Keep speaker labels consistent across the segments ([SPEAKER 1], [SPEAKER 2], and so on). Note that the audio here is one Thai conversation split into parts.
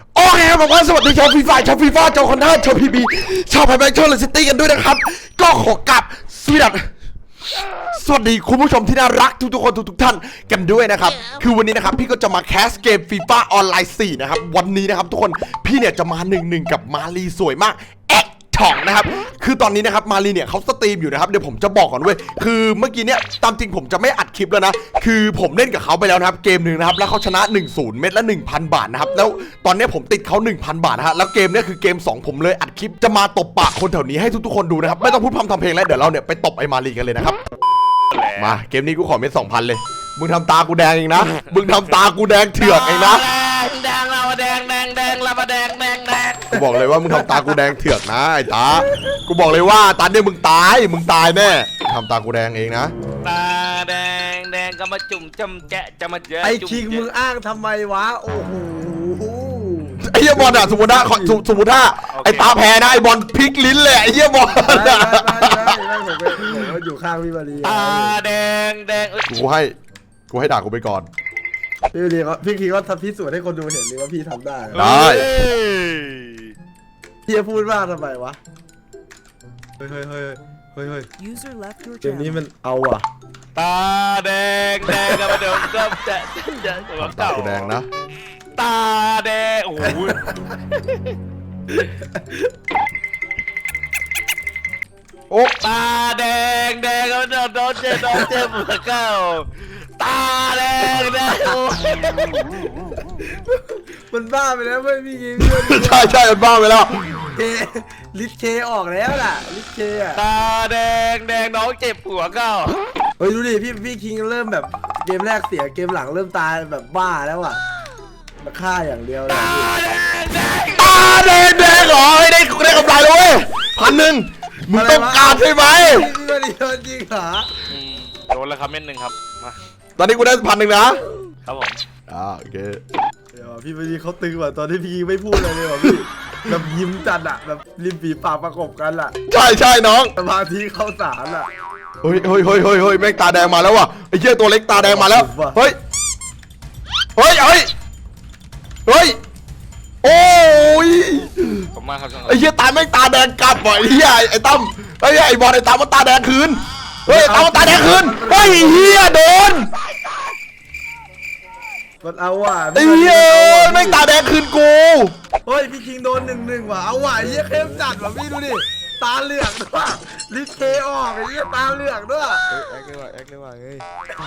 [SPEAKER 1] โอเคบอกว่าสวัสดีชาวฟีฟ่าชาวคอนด้าชาวพีบีชาวไพแบงค์ชาวเลสตี้กันด้วยนะครับก็ขอกลับสวัสดีคุณผู้ชมที่น่ารักทุกคนทุกท่านกันด้วยนะครับคือวันนี้นะครับพี่ก็จะมาแคสเกมฟีฟ่าออนไลน์4นะครับวันนี้นะครับทุกคนพี่เนี่ยจะมา1-1กับมาลีสวยมากถ่องนะครับคือตอนนี้นะครับมารีเนี่ยเขาสตรีมอยู่นะครับเดี๋ยวผมจะบอกก่อนเว้ยคือเมื่อกี้เนี่ยตามจริงผมจะไม่อัดคลิปแล้วนะคือผมเล่นกับเขาไปแล้วนะครับเกมหนึ่งนะครับแล้วเขาชนะ 1-0 เม็ดละ 1,000 บาทนะครับแล้วตอนนี้ผมติดเขา 1,000 บาทนะฮะแล้วเกมเนี่ยคือเกม2ผมเลยอัดคลิปจะมาตบปากคนแถวนี้ให้ทุกคนดูนะครับไม่ต้องพูดพร่ำทำเพลงแล้วเดี๋ยวเราเนี่ยไปตบไอ้มารีกันเลยนะครับมาเกมนี้กูขอเม็ด 2,000 เลยมึงทำตากูแดงเองนะมึงทำตากูแดงเถือกเองนะ
[SPEAKER 2] แดงเราแดงเราแดง
[SPEAKER 1] กูบอกเลยว่ามึงทำตากูแดงเถือกนะไอ้ตากูบอกเลยว่าตาเนี่ยมึงตายแน่ทำตากูแดงเองนะ
[SPEAKER 2] ตาแดงก็มาจุ่มจำแจะจะมาเยอะ
[SPEAKER 3] ไอ้คิงมึงอ้างทำไมวะโอ้โห
[SPEAKER 1] ไอ้เหี้ยบอลอะสมมติถ้าไอ้ตาแพ้นะไอ้บอลพลิกลิ้นเลยไอ้เหี้ยบอล
[SPEAKER 3] ผมอยู่ข้างพี่มารี
[SPEAKER 2] ตาแดง
[SPEAKER 1] กูให้ด่ากูไปก่อน
[SPEAKER 3] พี่มารีพี่คิงก็ทำพิสูจน์ให้คนดูเห็นเลยว่าพี่ทำได้พี่จะพูดว่าทำไมวะเฮ้ยเกมนี้มันเอาอ่ะ
[SPEAKER 2] ตาแดงก็มาเดิมก็จะ
[SPEAKER 1] ตากูแดงนะ
[SPEAKER 2] ตาแดงโอ้โห
[SPEAKER 1] โอ้
[SPEAKER 2] ตาแดงก็มาเดิมโดนเจ็บหัวเก้าตาแดง
[SPEAKER 3] มันบ้าไปแล้วไม่มีเงี้ย
[SPEAKER 1] ใช่มันบ้าไปแล้ว
[SPEAKER 3] ลิทเคออกแล้วล่ะลิทเคอะ
[SPEAKER 2] ตาแดงน้องเจ็บหัวเก้า
[SPEAKER 3] เฮ้ยดูดิพี่คิงเริ่มแบบเกมแรกเสียเกมหลังเริ่มตายแบบบ้าแล้วอ่ะมาฆ่าอย่างเดียวเลย
[SPEAKER 1] ตาแดงเหรอได้กำไรเลย1,000มึงต้องการใช่ไหม
[SPEAKER 3] พี่มารีโดนจริงเหรอ
[SPEAKER 2] โดนแล้วครับเม็ด1ครับมา
[SPEAKER 1] ตอนนี้กูได้1,000นะครับ
[SPEAKER 2] ผม
[SPEAKER 1] โอเค
[SPEAKER 3] เดี๋ยวพี่มารีเขาตึงว่ะตอนที่พี่ไม่พูดอะไรเลยว่ะพี่แบบยิ้มจัดอะแบบริมฝีปากประกบกันอะ
[SPEAKER 1] ใช่น้อง
[SPEAKER 3] สมาธิเข้าสารอะ
[SPEAKER 1] เฮ้ยแม่งตาแดงมาแล้วว่ะไอ้เหี้ยตัวเล็กตาแดงมาแล้วเฮ้ยโอ้ย
[SPEAKER 2] ผมมาครับ
[SPEAKER 1] ไอ้เหี้ยตาแม่งตาแดงกลับว่ะไอ้เหี้ยไอ้ตั้มไอ้บอลไอ้ตั้มมันตาแดงคืนตั้มมันตาแดงคืนเฮ้ยเหี้ยโดน
[SPEAKER 3] มันเอาว่ะ
[SPEAKER 1] ไอ้เหี้ยแม่งตาแดงคืนกู
[SPEAKER 3] เฮ้ยพี่คิงโดน1-1ว่ะเอาว่ะไอ้เหี้ยเข้มจัดว่ะพี่ดูดิตาเหลือกด้วยลิเทออกไอ้เหี้ยตาเหลือกด้วย
[SPEAKER 1] แอคเลยว่ะเฮ้ย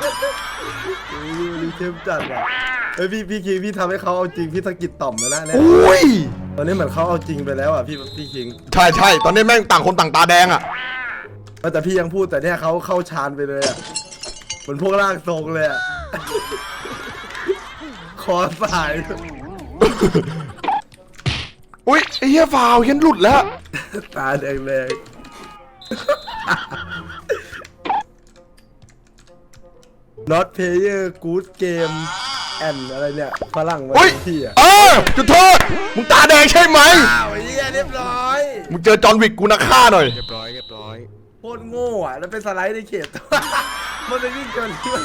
[SPEAKER 3] ลิเข้มจัดว่ะเฮ้ยพี่คิงพี่ทำให้เขาเอาจริงพี่สะกิดต่อมแล้วนะเนี่ยตอนนี้เหมือนเขาเอาจริงไปแล้วอ่ะพี่คิง
[SPEAKER 1] ใช่ตอนนี้แม่งต่างคนต่างตาแดงอ่ะ
[SPEAKER 3] แต่พี่ยังพูดแต่เนี่ยเขาเข้าฌานไปเลยอ่ะเหมือนพวกร่างทรงเลยอ่ะคอสาย
[SPEAKER 1] อุ้ยไอ้เหี้ยฟาวเห็นหลุดแล้ว
[SPEAKER 3] ตาแดงNot player good game and อะไรเนี่ยฝรั่งมาที่อ่ะ
[SPEAKER 1] จุดโทษมึงตาแดงใช่ไหม
[SPEAKER 3] ไอ้เหี้ยเรียบร้อย
[SPEAKER 1] มึงเจอจอห์นวิกกูนะฆ่าหน่อย
[SPEAKER 3] เรียบร้อยโคตรโง่อ่ะแล้วเป็นสไลด์ในเขตมันไปวิ่งเกินที่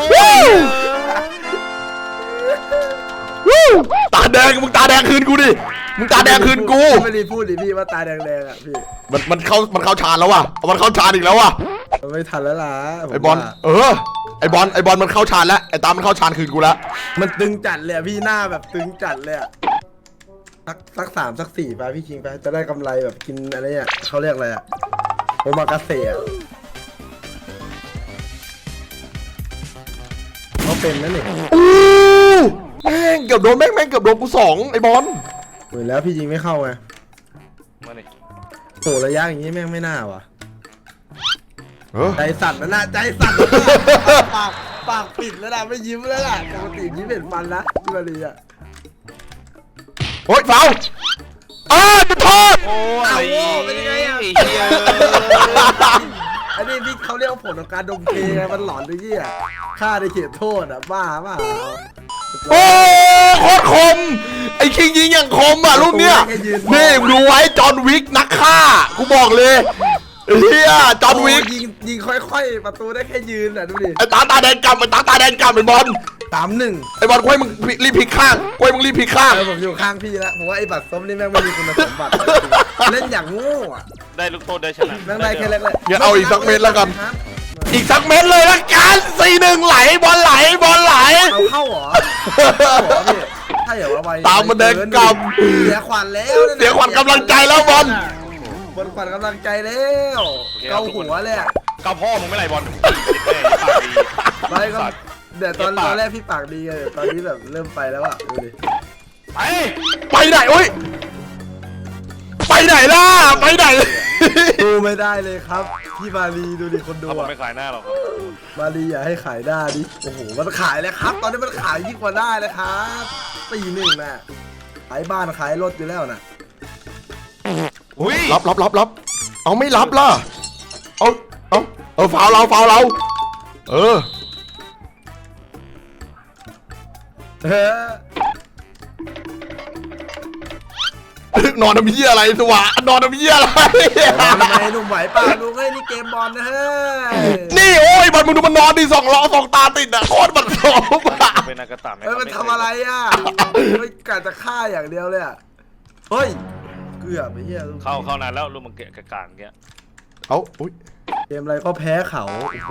[SPEAKER 1] ตาแดงมึงตาแดงคืนกูดิมึงตาแดงคืนกู
[SPEAKER 3] ไม่ได้พูดดิพี่ว่าตาแดงอ่ะพี่
[SPEAKER 1] มันเข้าฌานแล้วว่ะมันเข้าฌานอีกแล้วว่ะ
[SPEAKER 3] ไม่ทันแล้วล่ะ
[SPEAKER 1] ไอบอลไอบอลมันเข้าฌานแล้วไอตามันเข้าฌานคืนกูแล้ว
[SPEAKER 3] มันตึงจัดเลยพี่หน้าแบบตึงจัดเลยสัก3สัก4ไปพี่คิงไปจะได้กำไรแบบกินอะไรเนี่ยเขาเรียกอะไรอะโอมากาเสะเขาเป็นนั่นเอง
[SPEAKER 1] แม่งเกือบโดนแม่งเกือบโดนกู2ไอบอล
[SPEAKER 3] เหมือนแล้วพี่ยิงไม่เข้าไงโหระยะอย่างนี้แม่งไม่น่าว่ะใจสั่นแล้วนะใจสั่นปากปิดแล้วนะไม่ยิ้มแล้วล่ะปกติยิ้มเห็นฟันนะพี่มารีอะ
[SPEAKER 1] โอ๊ยฟาวจุดโทษ
[SPEAKER 2] โอ้ย
[SPEAKER 3] เป็นยังไงอ่ะอันนี้พี่เขาเรียกว่าผลของการดมเคมันหลอนด้วยยี่อ่ะฆ่าในเขตโทษอ่ะบ้า
[SPEAKER 1] โอ้โคตรคมไอ้คิงยิงอย่างคมอ่ะลูกเนี้ยนี่ดูไว้จอห์นวิกนักฆ่ากูบอกเลยเฮียจอห์นวิก
[SPEAKER 3] ยิงค่อยๆประตูได้แค่ยืนอ่ะดูดิ
[SPEAKER 1] ไอ้ตาแดงกำไอ้ตาแดงกำไอ้บอล
[SPEAKER 3] 3-1
[SPEAKER 1] ไอ้บอลกล้วยมึงรีบพลิกข้างกล้วยมึงรีบพลิกข้าง
[SPEAKER 3] ผมอยู่ข้างพี่แล้วผมว่าไอ้บัตรส้มนี่แม่งไม่มีคุณสมบัติเล่นอย่างโง่อะ
[SPEAKER 2] ได้ลูกโทษได้ชนะ
[SPEAKER 3] แม่งได้แค่แรกเลย
[SPEAKER 1] อย่าเอาอีกสักเม็ดแล้วกัน อีกสักเม็ดเลยละกัน4-1ไหลบอลไหล
[SPEAKER 3] เอาเข้าเหรอพี่ถ้าอย่าว่าไป
[SPEAKER 1] ตามมาแดงก
[SPEAKER 3] เสียขวัญแล้ว
[SPEAKER 1] เสียขวัญกำลังใจแล้วบอล
[SPEAKER 3] บนขวัญกำลังใจแล้วเกาหัวเลยอะ
[SPEAKER 2] เกาพ่อมึงไม่ไรบอล
[SPEAKER 3] ไม่ก็เดี๋ยวตอนแรกพี่ปากดีไงตอนนี้แบบเริ่มไปแล้วอะดูดิ
[SPEAKER 2] ไป
[SPEAKER 1] ไปไหนโอ้ยไปไหนล่ะไปไหน
[SPEAKER 3] ดูไม่ได้เลยครับพี่มารีดูดิคนดู
[SPEAKER 2] เขาบอก
[SPEAKER 3] อะ
[SPEAKER 2] ไม่ขายหน้าหรอก
[SPEAKER 3] มารีอย่าให้ขายหน้าดิโอ้โหมันขายเลยครับ ตอนนี้มันขายยิ่งกว่าได้เลยครับ4-1น่ะขายบ้านขายรถอยู่แล้วน่ะ
[SPEAKER 2] อุ้ย
[SPEAKER 1] รับเอาไม่รับล่ะเอาฟาวเราเออ
[SPEAKER 3] เฮ้ย
[SPEAKER 1] นอนทำเหี้ยอะไรสวะนอนทำเหี้ยอะไร
[SPEAKER 3] ทำไมหนุ่มไหวป่ะลุงเฮ้ยนี่เกมบอลนะเฮ้ย
[SPEAKER 1] นี่โอ้ยบอลมึงดูมันนอนดิ2 ตาติดอะโคตรบัดซบอะ
[SPEAKER 2] เป็นนากาตะไหม
[SPEAKER 3] เฮ้ยมันทำอะไรอ่ะไม่กะจะฆ่าอย่างเดียวเลยอ่ะเฮ้ยเกือบไปเฮียลูก
[SPEAKER 2] เข้านานแล้วลูกมันเกะกะกางเงี้ย
[SPEAKER 1] เอาอุ้ย
[SPEAKER 3] เกมอะไรก็แพ้เขาโอ้โห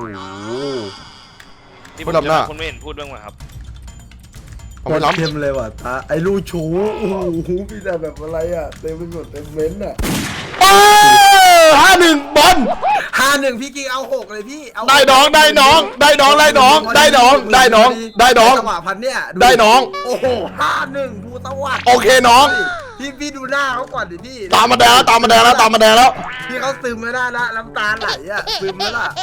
[SPEAKER 2] ที่
[SPEAKER 1] คนรับหน้า
[SPEAKER 2] คุณไม่เห็นพูดบ้างไหมครับ
[SPEAKER 1] เอาไม่รับ
[SPEAKER 3] เกมเลยว่ะตาไอ้ลูกชูโอ้โหพี่แต่แบบอะไรอ่ะเต็มไปหมดเต็มเม้นต์อ่ะ
[SPEAKER 1] 5-1บอล
[SPEAKER 3] 5-1พี่กิ๊กเอา6เลยพี่เอา
[SPEAKER 1] ได้น้องจังห
[SPEAKER 3] วะพันเนี่ย
[SPEAKER 1] ได้น้อง
[SPEAKER 3] โอ้โห5-1ภูสวัสดิ์
[SPEAKER 1] โอเคน้อง
[SPEAKER 3] พี่ดูหน้าเขาก่อนดิพี่
[SPEAKER 1] ตามมาแดงแล้ว
[SPEAKER 3] พี่เขาซึมไม่ได้ละน้ำตาไหลอ่ะซึมแล้วล่ะ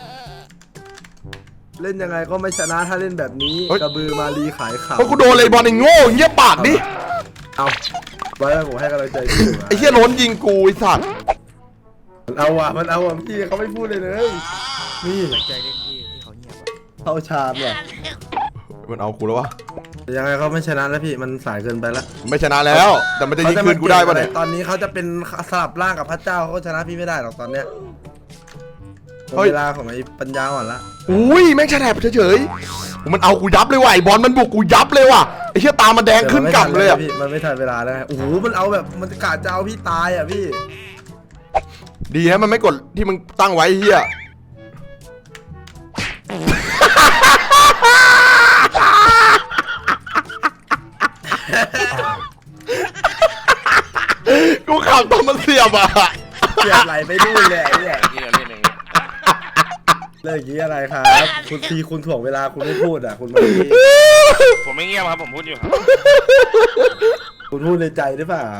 [SPEAKER 3] เล่นยังไงก็ไม่ชนะถ้าเล่นแบบนี้กระบือมารีขายข่าว
[SPEAKER 1] เพราะกูโดนเลยบอลไอ้โง่เงียบปากดิ
[SPEAKER 3] เอาไว้ผมให้กำลังใจพี่
[SPEAKER 1] ไอ้เหี้ยล้นยิงกูไอ้สัตว์
[SPEAKER 3] มันเอาอ่ะพี่เขาไม่พูดเลยนี่ใจเล่นพี่เขาเงียบเข้าชามอ่ะ
[SPEAKER 1] มันเอากูแล้ววะ
[SPEAKER 3] ยังไงเขาไม่ชนะแล้วพี่มันสายเกินไปแล้ว
[SPEAKER 1] ไม่ชนะแล้วแต่มันจะยิงคืนกูได้ปะเนี่ย
[SPEAKER 3] ตอนนี้เขาจะเป็นสลับร่างกับพระเจ้าเขาชนะพี่ไม่ได้หรอกตอนเนี้ยเวลาของไอ้ปัญญาอ่อนละ
[SPEAKER 1] อุ้ยแม่งแฉลบเฉยๆมันเอากูยับเลยว่ะไอ้บอลมันบุกกูยับเลยว่ะไอ้เหี้ยตามันแดงขึ้นกลับเลยอ่ะ
[SPEAKER 3] มันไม่ทันเวลาแล้วโอ้โหมันเอาแบบมันกะจะเอาพี่ตายอ่ะพี่
[SPEAKER 1] ดีฮะมันไม่กดที่มึงตั้งไว้เฮียกูขับตอนมันเสียบอ่ะ
[SPEAKER 3] เสียบไหลไปนู่นเลยไอ้เนี่ย
[SPEAKER 2] นี่เล่นอย่างงี้
[SPEAKER 3] เรื่องอย่างนี้อะไรครับคุณทีคุณถ่วงเวลาคุณไม่พูดอ่ะคุณมาดี
[SPEAKER 2] ผมไม่เงียบครับผมพูดอยู่ครับ
[SPEAKER 3] คุณพูดในใจหรือเปล่า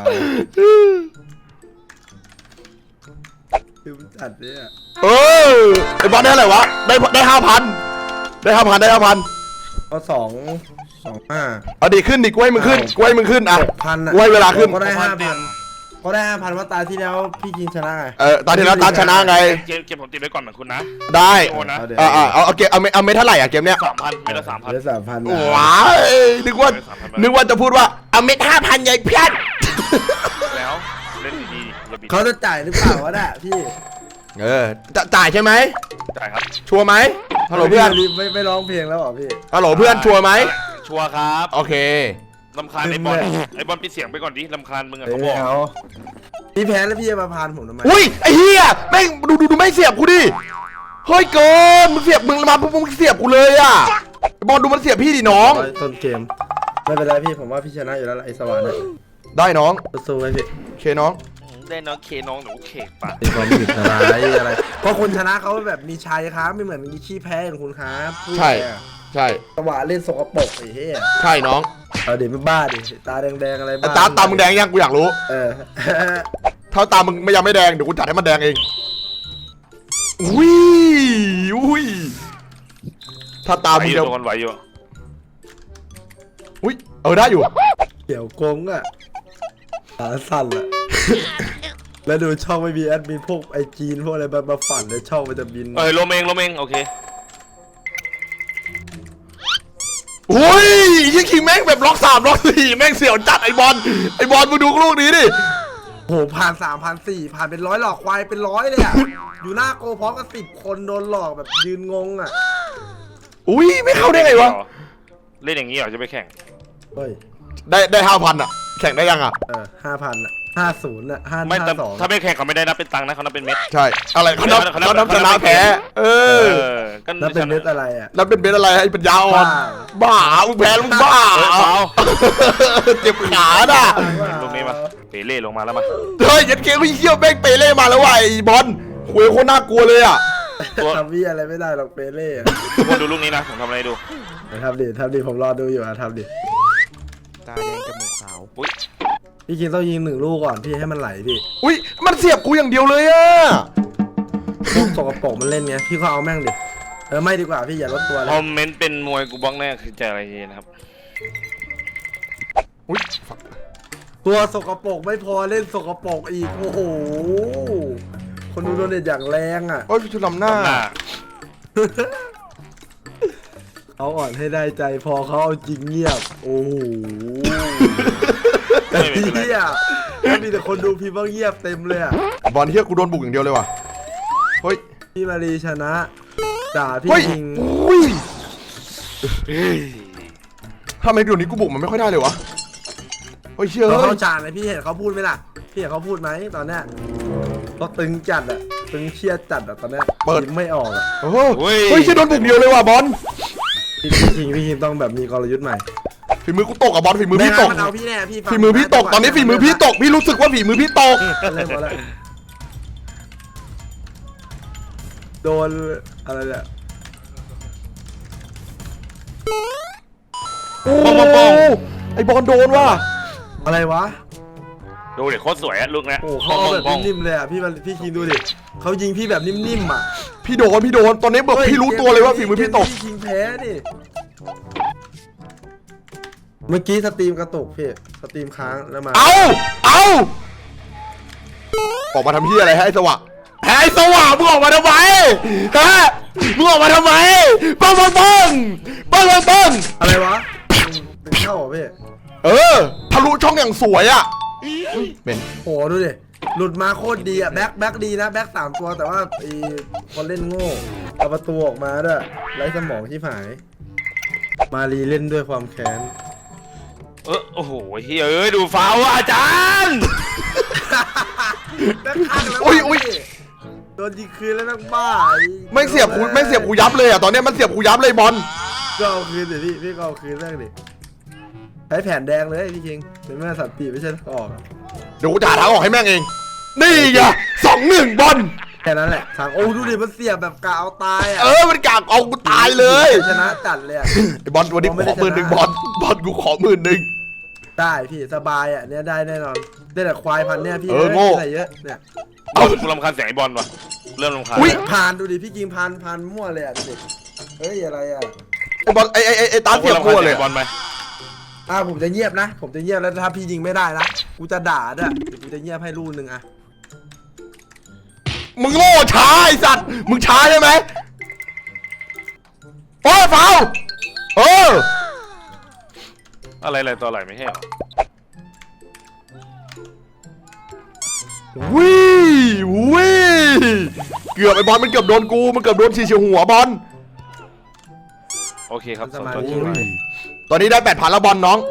[SPEAKER 3] คือมันจัดเนี่ย
[SPEAKER 1] เออไอ้บอลได้อะไรวะได้5,000ได้5,000
[SPEAKER 3] ก็2-5
[SPEAKER 1] เอาดิขึ้นดิกล้วยมึงขึ้นอ่ะ
[SPEAKER 3] 6,000
[SPEAKER 1] กล้วยเวลาขึ้น
[SPEAKER 3] ก็ได้ 5,000ก็ได้ 5,000ว่าตาที่แล้วพี่กิงชนะไง
[SPEAKER 1] ตอนที่แล้วตาชนะไง
[SPEAKER 2] เกมผมติดไว้ก่อนเหมือนคุณนะ
[SPEAKER 1] ได้
[SPEAKER 2] โอนนะ
[SPEAKER 1] เอาเกมเอาเมทเท่าไหร่อ่ะเกมเนี้ย
[SPEAKER 2] 3,000ไม่ละ3,000
[SPEAKER 3] ได้ 3,000
[SPEAKER 1] ว้ายนึกว่าจะพูดว่าเอาเม็ด5,000ใหญ่เพี้ยน
[SPEAKER 2] แล้วเล่นดีๆอย่าบิด
[SPEAKER 3] เขาจะจ่ายหรือเปล่าวะน่ะพี่
[SPEAKER 1] จะจ่ายใช่ไหม
[SPEAKER 2] จ่ายครับ
[SPEAKER 1] ชัวร์ไหมฮัลโหลเพื่อน
[SPEAKER 3] ไม่ร้องเพลงแล้วเหรอพี่
[SPEAKER 1] ฮัลโหลเพื่อนชัวร์ไหม
[SPEAKER 2] ชัวร์ครับ
[SPEAKER 1] โอเค
[SPEAKER 2] ลำคาญไอ้บอลปิดเสียงไปก่อนดิลำคาญมึงอะเขาบอก
[SPEAKER 3] พี่แพ้แล้วพี่จะมาพานผมทำไม
[SPEAKER 1] อุ้ยไอ้เหี้ยแม่งดูไม่เสียบกูดิเฮ้ยเกินมึงเสียบมึงมาปุ๊บมึงเสียบกูเลยอ่ะบอลดูมันเสียบพี่ดิน้อง
[SPEAKER 3] ต้นเกมไม่เป็นไรพี่ผมว่าพี่ชนะอยู่แล้วไอ้สวรรค์เนี่ย
[SPEAKER 1] ได้น้อง
[SPEAKER 3] สู้ไว้พี่
[SPEAKER 1] โอเคน้อง
[SPEAKER 2] ได้น้องเคน้องหนูเขกปะ
[SPEAKER 3] มีความผิดอะไรเพราะคนชนะเขาแบบมีชัยครับไม่เหมือนมีขี้แพ้อย่างคุณครับ
[SPEAKER 1] ใช่
[SPEAKER 3] สวรรค์เล่นสกปรกไอ้เหี้ย
[SPEAKER 1] ใช่น้อง
[SPEAKER 3] เอาเดี๋ยวไม่บ้าดิตาแดงๆอะไรบ้า
[SPEAKER 1] ตามึงแดงยังกูอยากรู้ ถ้าตามึงยังไม่แดงเดี๋ยวกูจัดให้มันแดงเองอุ้ยถ้าตามึง
[SPEAKER 2] โดนไหวอยู่
[SPEAKER 1] อุ้ยได้อยู่
[SPEAKER 3] เกี่ยวกงอ่ะขาสั่นอ่ะแล้วดูช่องไม่มีแอดมินพวกไอจีนพวกอะไรมาฝันเลยช่องมันจะบิน
[SPEAKER 2] ลมเองโอเค
[SPEAKER 1] อุ้ยยี่คิงแม่งแบบล็อก3ล็อก4แม่งเสี่ยวจัดไอบอลมึงดูลูกนี้ดิ
[SPEAKER 3] โหผ่าน3,400ผ่านเป็น100หลอกควายเป็น100เลยอ่ะ อยู่หน้าโกพร้อมกับ10 คนโดนหลอกแบบยืนงงอ่ะ
[SPEAKER 1] อุ้ยไม่เข้าได้ไงวะ
[SPEAKER 2] เล่นอย่างนี้เหรอจะไปแข่ง
[SPEAKER 3] เฮ้ย
[SPEAKER 1] ได้5,000อ่ะแข่งได้ยังอ่ะ
[SPEAKER 3] 5,000อ่ะ50อ่ะ
[SPEAKER 2] ไม่แต่
[SPEAKER 3] 552
[SPEAKER 2] ถ้าไม่แข่งเขาไม่ได้นับเป็นตังค์นะเขานับเป็นเม็ด
[SPEAKER 1] ใช่อะไรเขานับชนะแพ้เออ
[SPEAKER 2] ก็
[SPEAKER 3] แล้วเป็นเม็ดอะไรอ่ะ
[SPEAKER 1] แล้วเป็นเบสอะไรไอ้ปัญญาอ่อนบ้ามึงแพ้แล้วมึงบ้า เจ็บขาน่ะ
[SPEAKER 2] ลูกนี้มาเปเล่ลงมาแล้วมา
[SPEAKER 1] เฮ้ยยันเกมเขี้ยวแม่งเปเล่มาแล้วว่ะไอ้บอลคุยโคตรน่ากลัวเลยอ่ะ
[SPEAKER 3] ทำวี่อะไรไม่ได้หรอกเปเล่อะ
[SPEAKER 2] ทุกคนดูลูกนี้นะผมทำอะไรดู
[SPEAKER 3] ทำดิผมรอดูอยู่อ่ะทำดิ
[SPEAKER 1] ตาแดงจมูกขาว
[SPEAKER 2] อุ้ย
[SPEAKER 3] พี่คิงต้องยิง1 ลูกก่อนพี่ให้มันไหลพี่
[SPEAKER 1] อุ้ยมันเสียบกูอย่างเดียวเลยอ่ะ
[SPEAKER 3] พวกสกปรกมันเล่นไงพี่ก็เอาแม่งดิไม่ดีกว่าพี่อย่าลดตัวเล
[SPEAKER 2] คอย มเมนต์เป็นมวยกูบล็อกแน่คือจะอะไรนะครับ
[SPEAKER 1] อุ้ย
[SPEAKER 3] ตัวสกปรกไม่พอเล่นสกปรกอีกโอ้โหคนดูโดนเด็ดอย่างแรงอ่ะ
[SPEAKER 1] โอ้ยชุดลำหน้า
[SPEAKER 2] หน้า
[SPEAKER 3] เอาอ่อนให้ได้ใจพอเขาเอาจริงเงียบโอ้โห
[SPEAKER 2] ไม่เป็นไร
[SPEAKER 3] เฮียแล้วมีแต่คนดูพี่บ้างเงียบเต็มเลยอ่ะ
[SPEAKER 1] บอลเฮียกูโดนบุกอย่างเดียวเลยว่ะเฮ้ย
[SPEAKER 3] พี่มารีชนะด่าพี่
[SPEAKER 1] เฮ้ย
[SPEAKER 3] คิง
[SPEAKER 1] อุ้ยทำไมเดี๋ยวนี้กูบุกมันไม่ค่อยได้เลยวะเฮ้ยเชื่อ
[SPEAKER 3] เขา
[SPEAKER 1] เฮ้
[SPEAKER 3] เข้าย ฉากเลยพี่เห็นเขาพูดไหมล่ะพี่เห็นเขาพูดไหมตอนเนี้ยเขาตึงจัดอ่ะตึงเครียดจัดอ่ะตอนเนี้ยยิ้มไม่ออกอ่ะ
[SPEAKER 1] โอ้โหเฮ้ยเชื่อโดนบุกเดียวเลยว่ะบอล
[SPEAKER 3] พี่คิงต้องแบบมีกลยุทธ์ใหม่
[SPEAKER 1] ฝีมือกูตกอ่ะบอลฝีมือพี่ตก
[SPEAKER 3] มันเอาพี่แน่พี่ฟัง
[SPEAKER 1] ฝีมือพี่ตกตอนนี้ฝีมือพี่ตกพี่รู้สึกว่าฝีมือพี่ตก
[SPEAKER 3] เล่นหมดแล้วโดนอะไรเนี่ย
[SPEAKER 1] โอ้ไอบอลโดนว่ะ
[SPEAKER 3] อะไรวะ
[SPEAKER 2] ดูเด็กโคตรสวยอะลูกนะ
[SPEAKER 3] โอ้เขาเอาแบบนิ่มๆเลยอ่ะพี่คิงดูดิเขายิงพี่แบบนิ่มๆอ่ะ
[SPEAKER 1] พี่โดนตอนนี้บอกพี่รู้ตัวเลยว่าฝีมือพี่ตก
[SPEAKER 3] พี่คิงแพ้นี่เมื่อกี้สตรีมกระตุกพี่สตรีมค้างแล้วมา
[SPEAKER 1] เอาออกมาทำเฮียอะไรให้ไอ้สวะไอ้สวะมึงออกมาทำไมฮะมึงออกมาทำไมปัง
[SPEAKER 3] อะไรวะตึงเข้าเหรอพี่
[SPEAKER 1] เออทะลุช่องอย่างสวยอ่ะเป็น
[SPEAKER 3] โหดูดิหลุดมาโคตรดีอ่ะแบ็คดีนะแบ็ค3 ตัวแต่ว่าไอ้คนเล่นโง่เอาประตูออกมาด้วยไร้สมองที่หาย มารีเล่นด้วยความแค้น
[SPEAKER 2] โอ้โหเฮ้ยเอ้ยดูฟาวอาจารย์
[SPEAKER 3] แบ็คข้างแล้ว
[SPEAKER 1] อุ้ย
[SPEAKER 3] โดนยิงคืนแล้วแม่งบ้า
[SPEAKER 1] ไม่เสียบกูยับเลยอ่ะตอนนี้มันเสียบกูยับเลยบอล
[SPEAKER 3] ก็เอาคืนดิพี่ก็เอาคืนแม่งดิใช้แผ่นแดงเลยพี่คิงเป็นแม่สัตว์ปีไม่ใช่ออก
[SPEAKER 1] เดี๋ยวกูจ่าทางออกให้แม่งเองนี่ไง2-1บอล
[SPEAKER 3] แค่นั้นแหละทางโอ้ดูดิมันเสียบแบบกะเอาตายอ่ะ
[SPEAKER 1] มันกากเอากูตายเลย
[SPEAKER 3] ชนะจัดเลยอ่ะ
[SPEAKER 1] ไอ้บอลวันนี้กูขอ10,000บอลกูขอ10,000
[SPEAKER 3] ได้พี่สบายอ่ะเนี้ยได้แน่นอนได้แต่ควายพันเนี่ยพี่
[SPEAKER 1] โง่
[SPEAKER 3] ใส่เยอะเนี่ย
[SPEAKER 2] กูรำคาญเสียงไอ้บอลว่ะเริ่มรำคาญ
[SPEAKER 1] อุ๊ย
[SPEAKER 3] พานดูดิพี่กิงพานมั่วเลยอ่ะดูดิเฮ้ยอะไรอ่ะ
[SPEAKER 1] ไอ้บอลไอ้ตาเสียบกูเลย
[SPEAKER 2] บอลไหม
[SPEAKER 3] ผมจะเงียบนะผมจะเงียบแล้วถ้าพี่ยิงไม่ได้นะกูจะด่าด้วยเดี๋ยวกูจะเงียบให้ลูกนึงอ่ะ
[SPEAKER 1] มึงโง่ช้าไอ้สัตว์มึงช้าใช่ไหมโอ้ยฟาว
[SPEAKER 2] อะไรตัวอะไรไม่ใช่เหรอ
[SPEAKER 1] วิเกือบไอ้บอลมันเกือบโดนกูมันเกือบโดนฉี่หัวบอล
[SPEAKER 2] โอเคครับส่วนตัวที่
[SPEAKER 1] ตอนนี้ได้8,000แล้วบอลน้อง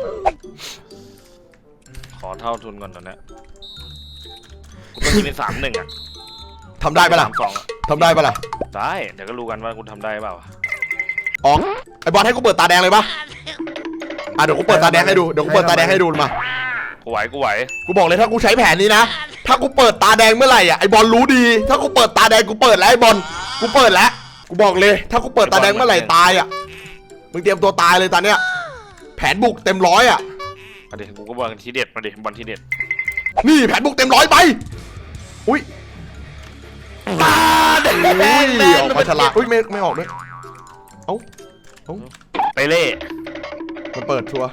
[SPEAKER 2] ขอเท่าทุนก่อนตอนนี้กูต้องยิงเป็น3-1อ่ะ
[SPEAKER 1] ทำได้ปะล่ะ
[SPEAKER 2] 3-2อะ
[SPEAKER 1] ทำได้ปะล่ะ
[SPEAKER 2] ได้เดี๋ยวก็รู้กันว่ากูทำได้เปล่า
[SPEAKER 1] อ๋อไอ้บอลให้กูเปิดตาแดงเลยปะเดี๋ยวกูเปิดตาแดงให้ดูมา
[SPEAKER 2] กูไหว
[SPEAKER 1] กูบอกเลยถ้ากูใช้แผนนี้นะถ้ากูเปิดตาแดงเมื่อไหร่อ่ะไอ้บอลรู้ดี ถ้ากูเปิดตาแดงกูเปิดแล้วไอ้บอลกูเปิดแล้วกูบอกเลย ถ้ากูเปิดตาแดงเมื่อไหร่ตายอ่ะมึงเตรียมตัวตายเลยตอนเนี้ยแผนบุกเต็ม100อ่ะ
[SPEAKER 2] เดี๋ยวกูก็บอลทีเด็ดมาดิบอลทีเด็ด
[SPEAKER 1] นี่แผนบุกเต็ม100ไปอุ้ย
[SPEAKER 2] ตาแดง
[SPEAKER 1] ออกมาฉลาดอุ้ยไม่ออกด้วยเอ้า
[SPEAKER 2] ไปเล่
[SPEAKER 1] มันเปิดชัวร์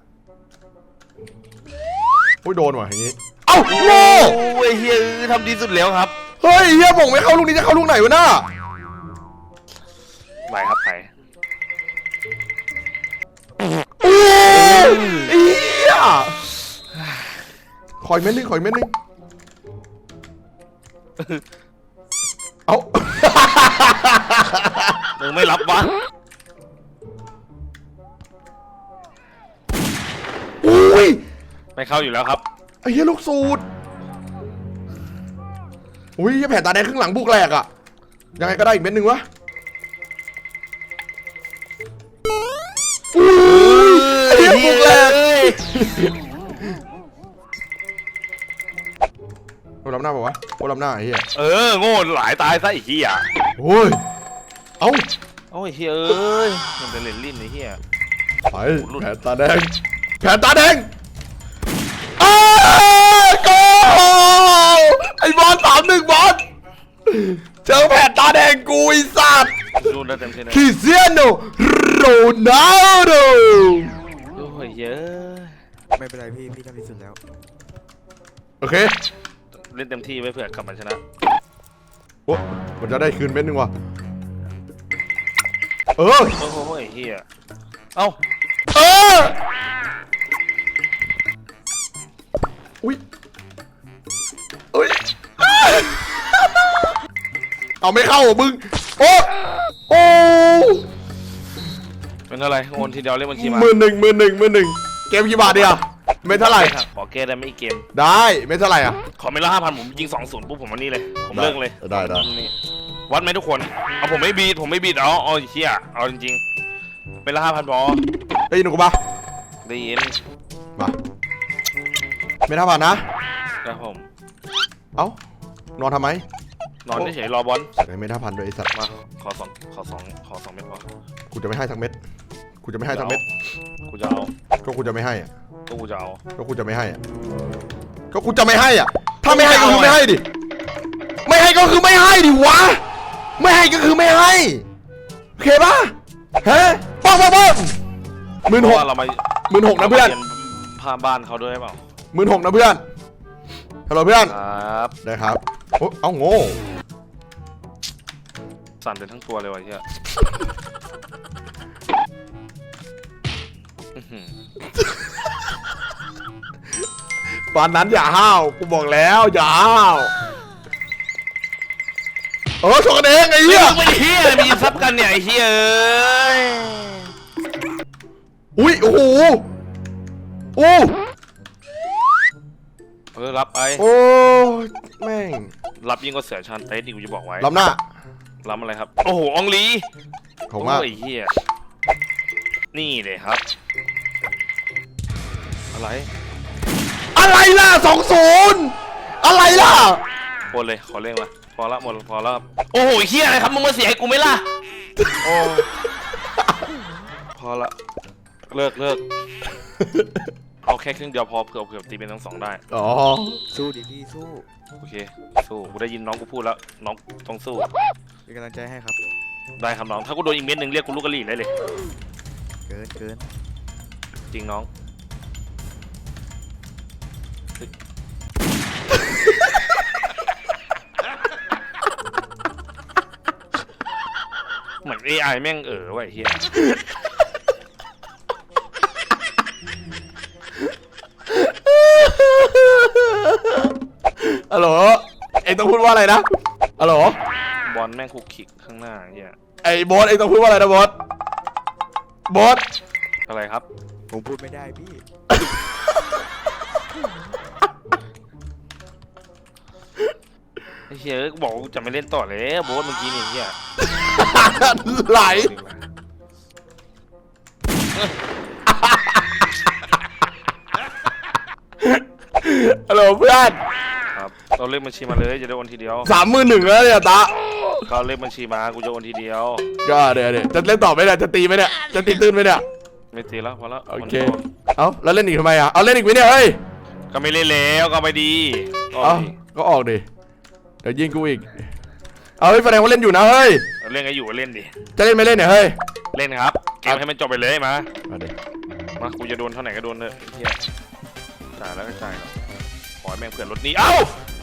[SPEAKER 1] อุ้ยโดนว่ะอย่างงี้เอ้าโง่
[SPEAKER 2] โอ้ยเฮียทำดีสุดแล้วครับ
[SPEAKER 1] เฮ้ยเฮียผมไม่เข้าลูกนี้จะเข้าลูกไหนวะน่า
[SPEAKER 2] ไหวครับไหว
[SPEAKER 1] โอ้ยเฮียขอยเม็ดนึงเอ้า
[SPEAKER 2] มึงไม่รับวะ
[SPEAKER 1] อุ้ย
[SPEAKER 2] ไม่เข้าอยู่แล้วครับ
[SPEAKER 1] ไอ้เหี้ยลูกสูตรอุ้ยแผ่นตาแดงครึ่งหลังบุกแหลกอะยังไงก็ได้อีกเม็ดหนึ่งวะอุ้ยไอ้เหี้ยบุกแหลกโอ้ล้ำหน้าป่าวะโอ้ล้ำหน้าไอ้เหี้ย
[SPEAKER 2] โง่หลายตายซะไอ้เหี้ย
[SPEAKER 1] โอ้ยเอ้า
[SPEAKER 2] โอ้ยเฮ้ยเอ้ยมันเป็นเลนลิ้นไอ้เหี้ย
[SPEAKER 1] ไปแผ่นตาแดงแผ่นตาแดงอ้าโกไอ้บอล3-1บอลเจอแผ่นตาแดงกูไอ้สัตว์
[SPEAKER 2] ดูได้เต็มที่นะ
[SPEAKER 1] คริสเตียโนโรนัลโด
[SPEAKER 2] โอ้ยเยอะ
[SPEAKER 4] ไม่เป็นไรพี่ทำที่สุดแล้ว
[SPEAKER 1] โอเค
[SPEAKER 2] เล่นเต็มที่ไว้เผื่อกลับมาชนะ
[SPEAKER 1] โอ้มันจะได้คืนเม็ดนึงว่ะเออ
[SPEAKER 2] โอ้โหไอ้เหี้ยเอ้า
[SPEAKER 1] เอออุ้ยอุ้ยเอาไม่เข้าเหรอมึงโอ้โอ้
[SPEAKER 2] เป็นอะไรโอนทีเดียวเล่นบัญชีมา
[SPEAKER 1] มือหนึ่งเกมกี่บาทเดียวไม่เท่าไหร่
[SPEAKER 2] ขอแก้ได้ไม่อีกเกม
[SPEAKER 1] ได้ไม่เท่าไหร่อ่ะ
[SPEAKER 2] ขอเมล่า5,000ผมยิง2-0ปุ๊บผมวันนี้เลยผมเลิกเลย
[SPEAKER 1] ได้
[SPEAKER 2] นี่วัดไหมทุกคนเอาผมไม่บีดเอาไอ้เหี้ยเอาจริงๆเมล่า5,000พอ
[SPEAKER 1] ได้ยินหนูกูปะ
[SPEAKER 2] ได้ยิน
[SPEAKER 1] มาไม่เท่าบาทนะ
[SPEAKER 2] ครับผม
[SPEAKER 1] เอ้านอนทำไม
[SPEAKER 2] นอนเฉยๆรอบอล
[SPEAKER 1] ใส่ไม่เท่าพันด้วยไอ้สัตว์
[SPEAKER 2] มาขอ2เม็ดพอ
[SPEAKER 1] กูจะไม่ให้ทั้งเม็ดกูจะไม่ให้ทั้งเม็ด
[SPEAKER 2] กูจะเอา
[SPEAKER 1] ก็กูจะไม่ให้อ่ะ
[SPEAKER 2] ก็กูจะเอา
[SPEAKER 1] ก็กูจะไม่ให้อ่ะก็กูจะไม่ให้อ่ะถ้าไม่ให้ก็คือไม่ให้ดิไม่ให้ก็คือไม่ให้ดิวะไม่ให้ก็คือไม่ให้โอเคปะฮะป้อง
[SPEAKER 2] เพ
[SPEAKER 1] 16,000
[SPEAKER 2] ราะว่าเรามา
[SPEAKER 1] 16,000นะเพื่อน
[SPEAKER 2] พาบ้านเขาด้วยเปล่า
[SPEAKER 1] 16,000นะเพื่อนฮัลโหลเพื่อน
[SPEAKER 2] ครับ
[SPEAKER 1] ได้ครับโอ้เอ้าโง่
[SPEAKER 2] สั่นเป็นทั้งตัวเลยวะเหี้ยอื้อหือ
[SPEAKER 1] ตอนนั้นอย่าห้าวกูบอกแล้วอย่าห้าวชกกันเองไอ้เหี้ย
[SPEAKER 2] ไม่เหี้ยมีซับกันเนี่ยไอ้เหี้ยเอ้ย
[SPEAKER 1] อุ้ยโอ้โหโอ้
[SPEAKER 2] รับไป
[SPEAKER 1] โอ้แม่ง
[SPEAKER 2] รับยิ่งกว่าเสือชานเต้ดิกูจะบอกไว้
[SPEAKER 1] ล้ำหน้า
[SPEAKER 2] รับอะไรครับโอ้โหอองลี
[SPEAKER 1] ของมาก
[SPEAKER 2] โอ้ยเหี้ยนี่เลยครับอะไร
[SPEAKER 1] อะไรล่ะ20อะไรล่ะ
[SPEAKER 2] โอนเลยขอเร่งมาพอละหมดพอละโอ้โหเหี้ยอะไรครับมึงมาเสียให้กูไหมล่ะโอ้พอละเลิกเอาแค่ครึ่งเดียวพอเผื่อตีเป็นทั้ง2ได้
[SPEAKER 1] อ๋อ
[SPEAKER 4] สู้ดิพี่สู้
[SPEAKER 2] โอเคสู้กูได้ยินน้องกูพูดแล้วน้องต้องสู้
[SPEAKER 4] เป็นกำลังใจให้ครับ
[SPEAKER 2] ได้ครับน้องถ้ากูโดนอีกเม็ดหนึ่งเรียกกูลูกกะหรี่ได้เลย
[SPEAKER 4] เกิน
[SPEAKER 2] จริงน้องเหมือน AI แม่งว่ะไอ้เหี้ย
[SPEAKER 1] ฮัลโหลเอ็งต้องพูดว่าอะไรนะฮัลโหล
[SPEAKER 2] บอลแม่งคุกคิกข้างหน้าไอ้เหี้ย
[SPEAKER 1] ไอ้โบอสเอ็งต้องพูดว่าอะไรนะโบอส
[SPEAKER 2] อะไรครับ
[SPEAKER 4] ผมพูดไม่ได้พี่
[SPEAKER 2] ไอ้เหี้ยกูบอกว่ากูจะไม่เล่นต่อเลยโบ๊ทเมื่อกี้นี่ไอ้เหี้ย
[SPEAKER 1] ไหลฮัลโหลเพื่อน
[SPEAKER 2] ครับเราเลขบัญชีมาเลยจะได้โอนทีเดียว
[SPEAKER 1] 31,000แล้วเนี่ยตา
[SPEAKER 2] เขาเลขบัญชีมากูจะโอนทีเดียว
[SPEAKER 1] ก็เดี๋ยวจะเล่นต่อไหมเนี่ยจะตีไหมเนี่ยจะตีตื้นไหมเนี่ย
[SPEAKER 2] ไม่ตีแล้วพอแล้ว
[SPEAKER 1] โอเคเอาแล้วเล่นอีกทำไมอ่ะเอาเล่นอีกไหมเนี่ยเฮ้ย
[SPEAKER 2] ก็ไม่เล่นแล้วก็ไม่ดีก็
[SPEAKER 1] เอาก็ออกดิเดี๋ยวยิงกูอีกเอาเฮ้ยแสดงว่าเล่นอยู่นะเฮ้ย
[SPEAKER 2] เล่นก็อยู่ก็เล่นดิ
[SPEAKER 1] จะเล่นไม่เล่นเนี่ยเฮ้ย
[SPEAKER 2] เล่นครับเกมให้มันจบไปเลยมา
[SPEAKER 1] เอาดิ
[SPEAKER 2] มากูจะโดนเท่าไหร่ก็โดนเถอะไอ้เหี้ยจ่ายแล้วก็จ่ายครับขอให้แม่งเผื่อรถนี้เอ้า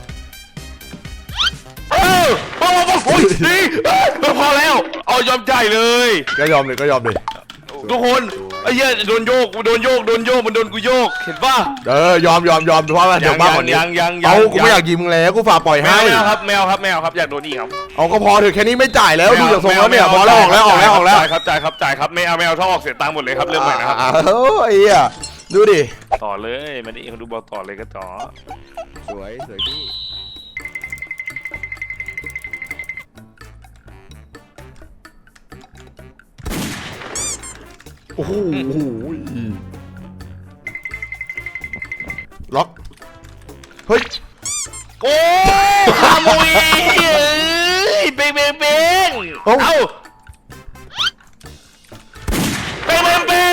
[SPEAKER 2] โอ้ยดีพอแล้วเอายอมจ่ายเลย
[SPEAKER 1] ก็ยอมเลย
[SPEAKER 2] ทุกคนไอ้เหี้ยโดนโยกมันโดนกูโยกเห็นป่ะ
[SPEAKER 1] ยอมเพราะว่าเดี๋ยวมากกว่านี้
[SPEAKER 2] ยัง
[SPEAKER 1] เอากูไม่อยากยิงมึงแล้วกูฝากปล่อย
[SPEAKER 2] แม
[SPEAKER 1] ให้
[SPEAKER 2] วครับแมวครับอยากโดนอีกครับ
[SPEAKER 1] เอาก็พอเถอะแค่นี้ไม่จ่ายแล้วดูจากทรงแล้วเนี่ยพอแล้วออกแล้ว
[SPEAKER 2] จ่ายครับไม่เอาถ้าออกเสียตังค์หมดเลยครับเรื่องใหม่นะครับ
[SPEAKER 1] ไอ้เหี้ยดูดิ
[SPEAKER 2] ต่อเลยมาดิเขาดูบอลต่อเลยก็ต่อ
[SPEAKER 4] สวยพี่
[SPEAKER 1] โอ้โหล็อกเฮ้ย
[SPEAKER 2] โอ้ขโมยเบ้งเอ้าเบ้ง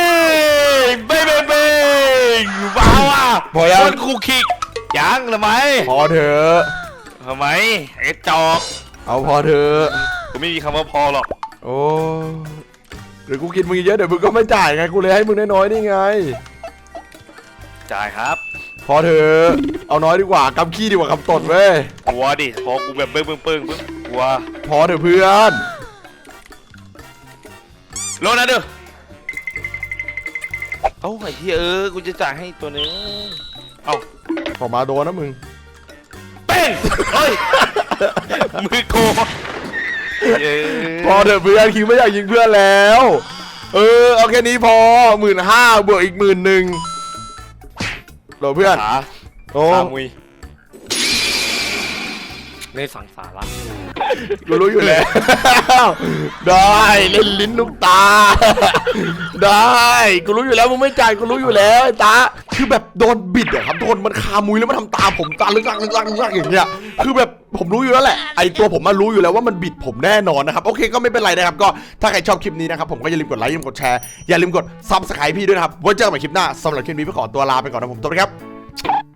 [SPEAKER 2] ว้าวอ่ะ
[SPEAKER 1] พอยัง
[SPEAKER 2] คนคูคิกยังทำไม
[SPEAKER 1] พอเถอะ
[SPEAKER 2] ทำไมไอ้จอก
[SPEAKER 1] เอาพอเถอะ
[SPEAKER 2] กูไม่มีคำว่าพอหรอก
[SPEAKER 1] โอ้เดี๋ยวกูกินมึงเยอะเดี๋ยวมึงก็ไม่จ่ายไงกูเลยให้มึงน้อยๆนี่ไง
[SPEAKER 2] จ่ายครับ
[SPEAKER 1] พอเถอะเอาน้อยดีกว่ากำขี้ดีกว่ากำตดเว้ย
[SPEAKER 2] กลัวดิพอกูแบบเบิ้งกลัว
[SPEAKER 1] พอเถอะเพื่อน
[SPEAKER 2] โลนะเด้อเอ้าไอ้เหี้ยกูจะจ่ายให้ตัวนึงเอ้า
[SPEAKER 1] ออกมาโดนนะมึง
[SPEAKER 2] เป้งเฮ้ยมือโก
[SPEAKER 1] พอเถอะเพื่อนคิงไม่อยากยิงเพื่อนแล้วเอาแค่นี้พอ15,000บวกอีก11,000โหลเพื่อน
[SPEAKER 2] ขา
[SPEAKER 1] โอ้
[SPEAKER 2] ขามุยในสังสาระ
[SPEAKER 1] กูรู้อยู่แล้วได้เล่นลิ้นลูกตา ได้กูรู้อยู่แล้วมึงไม่จ่ายกูรู้อยู่แล้วไอ้ตาคือแบบโดนบิดอะครับโดนมันคามุยแล้วมันทำตาผมตาลึกลักอย่างเงี้ยคือแบบผมรู้อยู่แล้วแหละไอตัวผมมารู้อยู่แล้วว่ามันบิดผมแน่นอนนะครับโอเคก็ไม่เป็นไรนะครับก็ถ้าใครชอบคลิปนี้นะครับผมก็อย่าลืมกดไลค์อย่าลืมกดแชร์อย่าลืมกด Subscribe พี่ด้วยนะครับไว้เจอกันใหม่คลิปหน้าสำหรับคลิปนี้พี่ขอตัวลาไปก่อนนะผมสวัสดีครับ